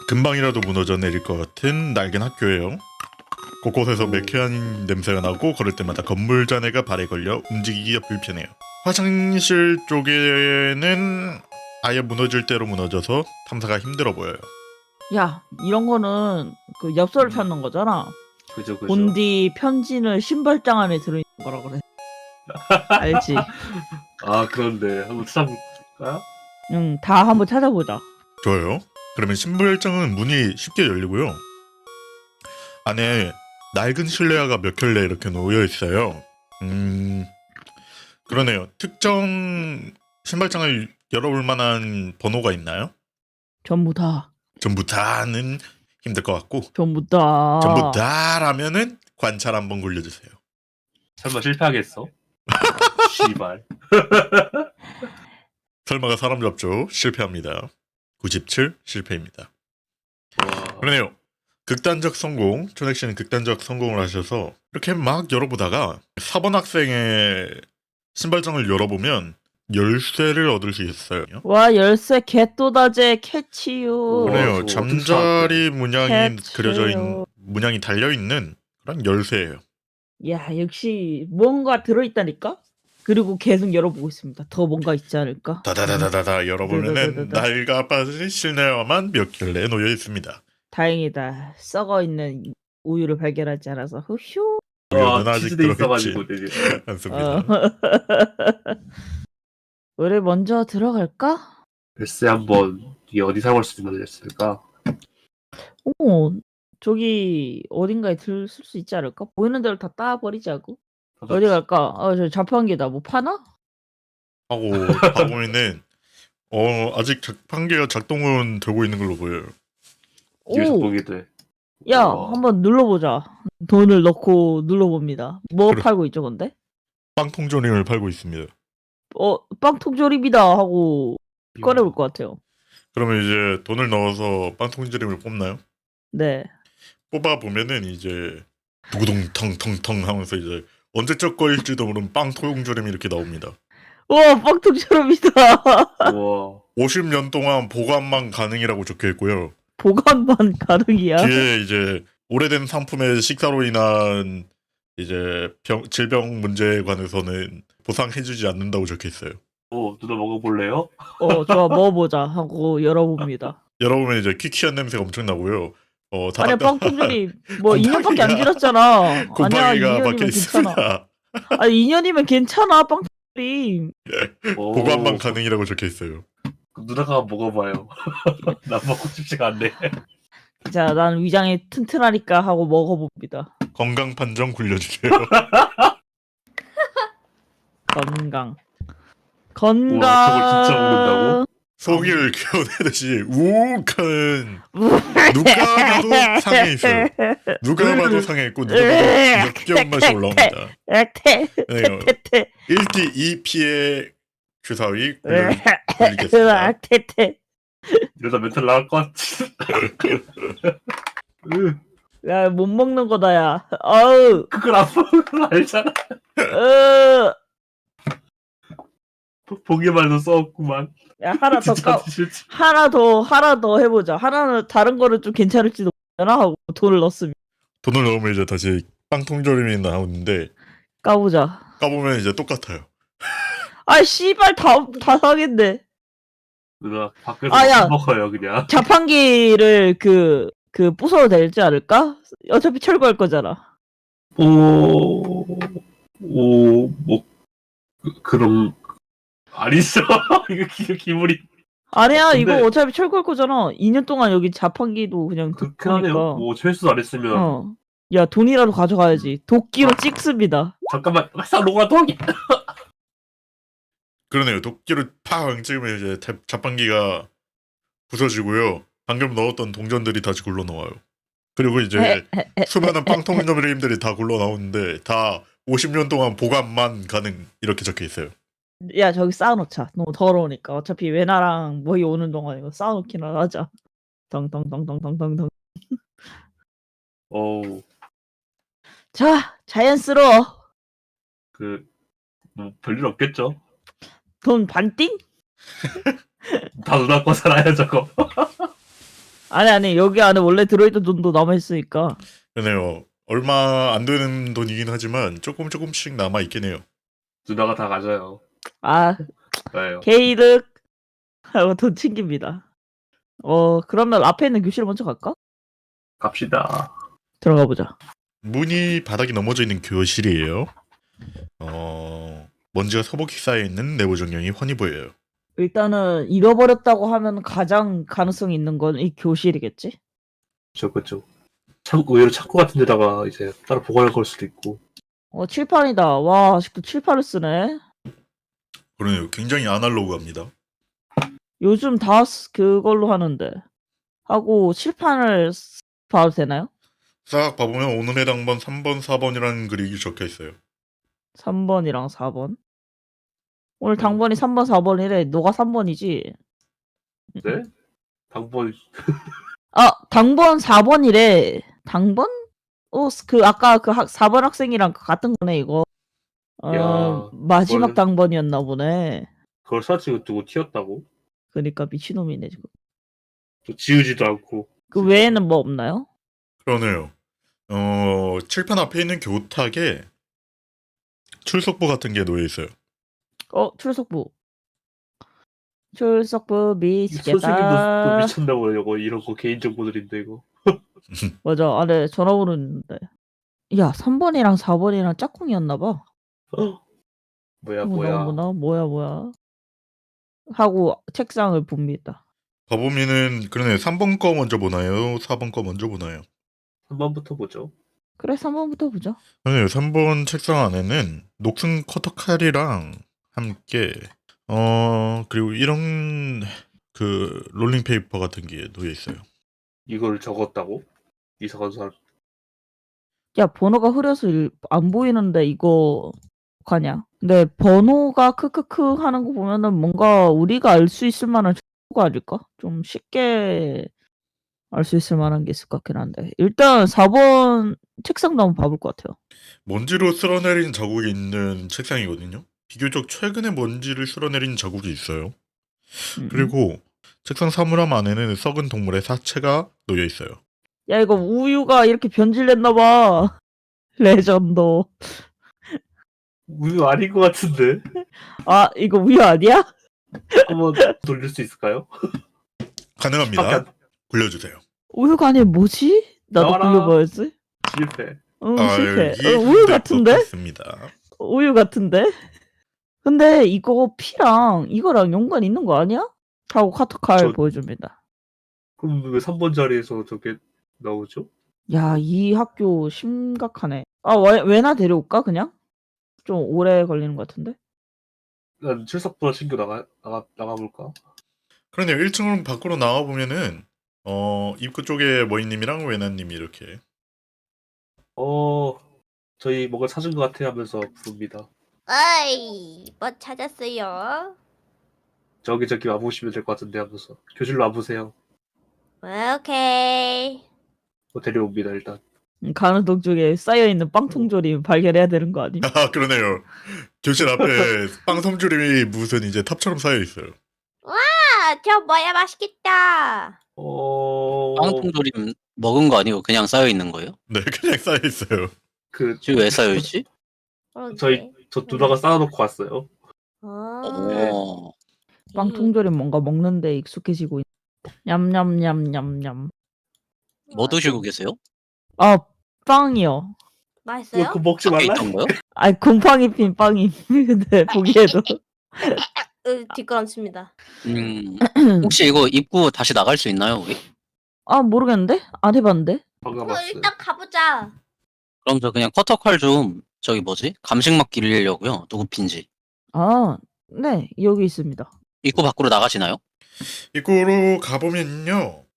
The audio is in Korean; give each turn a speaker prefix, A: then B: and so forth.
A: 금방이라도 무너져 내릴 것 같은 낡은 학교예요. 곳곳에서 매캐한 냄새가 나고 걸을 때마다 건물 잔해가 발에 걸려 움직이기가 불편해요. 화장실 쪽에는 아예 무너질 대로 무너져서 탐사가 힘들어 보여요.
B: 야, 이런 거는 그 엽서를 찾는 거잖아.
C: 그죠.
B: 본디 편지는 신발장 안에 들어있는 거라 그래. 알지?
C: 아, 그런데 한번 찾아볼까요?
B: 응, 다 한번 찾아보자.
A: 좋아요. 그러면 신발장은 문이 쉽게 열리고요. 안에 낡은 실내화가 몇 켤레 이렇게 놓여 있어요. 그러네요. 특정 신발장을 열어볼 만한 번호가 있나요?
B: 전부 다.
A: 전부 다는 힘들 것 같고
B: 전부 다.
A: 전부 다라면은 관찰 한번 굴려주세요.
C: 설마 실패하겠어? 씨발.
A: 설마가 사람 잡죠. 실패합니다. 97 실패입니다.
C: 와,
A: 그러네요. 극단적 성공. 초넥 씨는 극단적 성공을 하셔서 이렇게 막 열어보다가 4번 학생의 신발장을 열어보면 열쇠를 얻을 수 있어요.
B: 와, 열쇠 개또다제 캐치유.
A: 그래요.
C: 저거
A: 잠자리 문양이
B: 캐치요.
A: 그려져 문양이 달려 있는 그런 열쇠예요.
B: 야, 역시 뭔가 들어있다니까? 그리고 계속 열어보고 있습니다. 더 뭔가 있지 않을까?
A: 다다다다다다 열어보면은
B: 다다다다다.
A: 낡아 빠진 실내화만 몇 켤레 놓여 있습니다.
B: 다행이다. 썩어있는 우유를 발견하지 않아서 후휴.
A: 우유는 아직
C: 치즈돼
A: 들어있지
C: 있어가지고 되게.
A: 않습니다.
B: 우리 먼저 들어갈까?
C: 글쎄 한번 이게 어디 사볼 수 있는 거였을까?
B: 오, 저기 어딘가에 쓸 수 있지 않을까? 보이는 대로 다 따버리자고. 어디 갈까? 저 자판기다. 뭐 파나?
A: 하고 가보면은 아직 자판기가 작동은 되고 있는 걸로 보여요.
C: 뒤에서
B: 오,
C: 보게 돼.
B: 야,
C: 우와.
B: 한번 눌러보자. 돈을 넣고 눌러봅니다. 뭐
A: 그래.
B: 팔고 있죠, 근데?
A: 빵통조림을 팔고 있습니다.
B: 빵통조림이다 하고 꺼내볼 것 같아요.
A: 그러면 이제 돈을 넣어서 빵통조림을 뽑나요?
B: 네.
A: 뽑아 보면은 이제 두구둥 텅텅텅 하면서 이제 언제적 거일지도 모르는 빵통조림이 이렇게 나옵니다.
B: 우와, 빵통조림이다.
C: 우와.
A: 50년 동안 보관만 가능이라고 적혀 있고요.
B: 보관만 가능이야.
A: 뒤에 이제 오래된 상품의 식사로 인한 이제 질병 문제에 관해서는 보상해주지 않는다고 적혀 있어요.
C: 누나 먹어볼래요?
B: 좋아, 먹어보자 하고 열어봅니다.
A: 여러분 이제 퀴퀴한 냄새가 엄청 나고요.
B: 아니야,
A: 다닥다닥
B: 빵통조림 뭐 2년밖에 안 지났잖아. 아니야,
A: 곰팡이가 박혀
B: 2년이면 괜찮아.
A: 있습니다.
B: 아니, 2년이면 괜찮아, 빵통조림.
A: 보관만 가능이라고 적혀 있어요.
C: 누나가 먹어봐요. 난 먹고 싶지가 않네.
B: 자, 난 위장이 튼튼하니까 하고 먹어봅니다.
A: 건강 판정 굴려주세요.
B: 건강.
C: 우와, 저걸 진짜 먹는다고?
A: 소기를 겨우내듯이 우욱한 누가 봐도 상해 있어요. 누가 봐도 상해 있고 누가 봐도 역겨운 맛이 올라옵니다. 네요.
B: 테테테.
A: 1기 2피의 주사위 굴리겠습니다.
B: 테테.
C: 이러다 멘탈 나갈 것 같지.
B: 야, 못 먹는 거다, 야. 어우.
C: 그걸 안 먹는 걸 알잖아. 보기만 해도 써없구만.
B: 야, 하나 더
C: 진짜 싫지.
B: 하나 더 해보자. 하나는 다른 거는 좀 괜찮을지도 모르잖아 하고 돈을 넣었으면
A: 돈을 넣으면 이제 다시 빵통조림이 나오는데
B: 까보자.
A: 까보면 이제 똑같아요.
B: 아, 씨발 다 상했네.
C: 누나 밖에서
B: 아, 야.
C: 먹어요 그냥.
B: 자판기를 부숴도 되지 않을까? 어차피 철거할 거잖아.
C: 뭐 그럼 아니죠. 이거 기분이
B: 아니야,
C: 근데-
B: 이거 어차피 철거할 거잖아. 2년 동안 여기 자판기도 그냥
C: 그렇게 하네요.
B: 두니까.
C: 뭐 철수 안 했으면
B: 야, 돈이라도 가져가야지. 도끼로 찍습니다.
C: 잠깐만 싹 녹아 도기.
A: 그러네요. 도끼를 팡 찍으면 이제 자판기가 부서지고요. 방금 넣었던 동전들이 다시 굴러 나와요. 그리고 이제 수많은 빵통조림들이 다 굴러 나오는데 다 50년 동안 보관만 가능 이렇게 적혀 있어요.
B: 야, 저기 쌓아놓자. 너무 더러우니까. 어차피 외나랑 모이 오는 동안 이거 쌓아놓기나 하자. 덩덩덩덩덩덩덩. 자, 자연스러워.
C: 뭐 별일 없겠죠.
B: 돈 반띵?
C: 다 누나 거 살아요 저거.
B: 아니 여기 안에 원래 들어있던 돈도 남아있으니까.
A: 그러네요. 얼마 안 되는 돈이긴 하지만 조금씩 남아 있긴 해요.
C: 누나가 다 가져요.
B: 아
C: 왜요?
B: 게이득 하고 돈 챙깁니다. 그러면 앞에 있는 교실 먼저 갈까?
C: 갑시다.
B: 들어가 보자.
A: 문이 바닥이 넘어져 있는 교실이에요. 먼지가 서복히 쌓여 있는 내부 정령이 훤히 보여요.
B: 일단은 잃어버렸다고 하면 가장 가능성이 있는 건 이 교실이겠지?
C: 그쵸. 의외로 창고 같은 데다가 이제 따로 보관할 걸 수도 있고.
B: 칠판이다. 와 아직도 칠판을 쓰네.
A: 그러네요. 굉장히 아날로그합니다.
B: 요즘 다 그걸로 하는데. 하고 칠판을 봐도 되나요?
A: 싹 봐보면 오늘의 당번 3번, 4번이라는 글이 적혀 있어요.
B: 3번이랑 4번. 오늘 당번이 3번, 4번이래. 너가 3번이지?
C: 네? 당번
B: 아, 당번 4번이래. 당번? 아까 4번 학생이랑 같은 거네, 이거.
C: 야,
B: 마지막
C: 그걸-
B: 당번이었나 보네.
C: 그걸 사진 두고 튀었다고?
B: 그러니까 미친놈이네, 지금.
C: 또 지우지도 않고.
B: 그 외에는 뭐 없나요?
A: 그러네요. 칠판 앞에 있는 교탁에 출석부 같은 게 놓여 있어요.
B: 출석부. 출석부
C: 선생님도
B: 미치겠다.
C: 미쳤나봐요. 이런 거 개인정보들인데 이거.
B: 맞아, 안에 전화번호 있는데. 야, 3번이랑 4번이랑 짝꿍이었나 봐.
C: 뭐야.
B: 뭐야. 하고 책상을 봅니다.
A: 봐보면은 그러네. 3번 거 먼저 보나요? 4번 거 먼저 보나요?
C: 3번부터 보죠.
B: 그래, 3번부터 보자.
A: 그러네요. 3번 책상 안에는 녹슨 커터칼이랑 함께 그리고 이런 그 롤링페이퍼 같은 게 놓여 있어요.
C: 이걸 적었다고? 이상한 사람.
B: 야, 번호가 흐려서 안 보이는데 이거 가냐? 근데 번호가 크크크 하는 거 보면은 뭔가 우리가 알 수 있을 만한 정보가 아닐까? 좀 쉽게 알 수 있을 만한 게 있을 것 같긴 한데. 일단 4번 책상도 한번 봐볼 것 같아요.
A: 먼지로 쓸어내린 자국이 있는 책상이거든요. 비교적 최근에 먼지를 쓸어내린 자국이 있어요. 그리고 책상 사물함 안에는 썩은 동물의 사체가 놓여 있어요.
B: 야, 이거 우유가 이렇게 변질됐나 봐. 레전드.
C: 우유 아닌 것 같은데.
B: 아, 이거 우유 아니야?
C: 한번 돌릴 수 있을까요?
A: 가능합니다. 굴려주세요.
B: 우유가 아니면 뭐지? 나도
C: 나와라.
B: 굴려봐야지.
C: 실패.
B: 응, 실패.
A: 여기
B: 우유 같은데?
A: 있습니다.
B: 우유 같은데? 근데 이거 피랑 이거랑 연관 있는 거 아니야? 하고 카트칼
C: 저-
B: 보여줍니다.
C: 그럼 왜 3번 자리에서 저게 나오죠?
B: 야, 이 학교 심각하네. 왜나 데려올까 그냥? 좀 오래 걸리는 것 같은데?
C: 난 출석부나 신고 나가볼까?
A: 그러네요. 1층으로 밖으로 나와보면은 입구 쪽에 머이님이랑 외나님이 이렇게
C: 저희 뭔가 찾은 것 같아 하면서 부릅니다.
D: 어이, 뭐 찾았어요?
C: 저기 와보시면 될 것 같은데 하면서 교실로 와보세요.
D: 오케이.
C: 데려옵니다 일단.
B: 가는 동쪽에 쌓여있는 빵통조림 발견해야 되는 거 아님?
A: 아 그러네요. 교실 앞에 빵 섬줄이 무슨 이제 탑처럼 쌓여 있어요.
D: 아, 저 뭐야 맛있겠다.
E: 빵통조림 먹은 거 아니고 그냥 쌓여 있는 거예요?
A: 네, 그냥 쌓여 있어요.
E: 지금 왜 쌓여 있지?
D: 그러게.
C: 저 누나가 쌓아놓고 왔어요.
D: 아,
E: 어,
B: 빵통조림 뭔가 먹는데 익숙해지고 있. 냠냠냠냠냠.
E: 뭐 드시고 계세요?
B: 아, 빵이요.
D: 맛있어요?
C: 그거 먹지
E: 밖에
C: 말라.
E: 있던 거요?
B: 아니 곰팡이 핀 빵이. 근데 보기에도.
D: 뒷걸음칩니다.
E: 혹시 이거 입구 다시 나갈 수 있나요, 우리?
B: 아, 모르겠는데? 안 해봤는데?
C: 방금
D: 그럼
C: 왔어요.
D: 일단 가보자.
E: 그럼 저 그냥 커터칼 좀 저기 뭐지? 감식막 기르려고요. 누구 핀지.
B: 아, 네, 여기 있습니다.
E: 입구 밖으로 나가시나요?
A: 입구로 가보면요.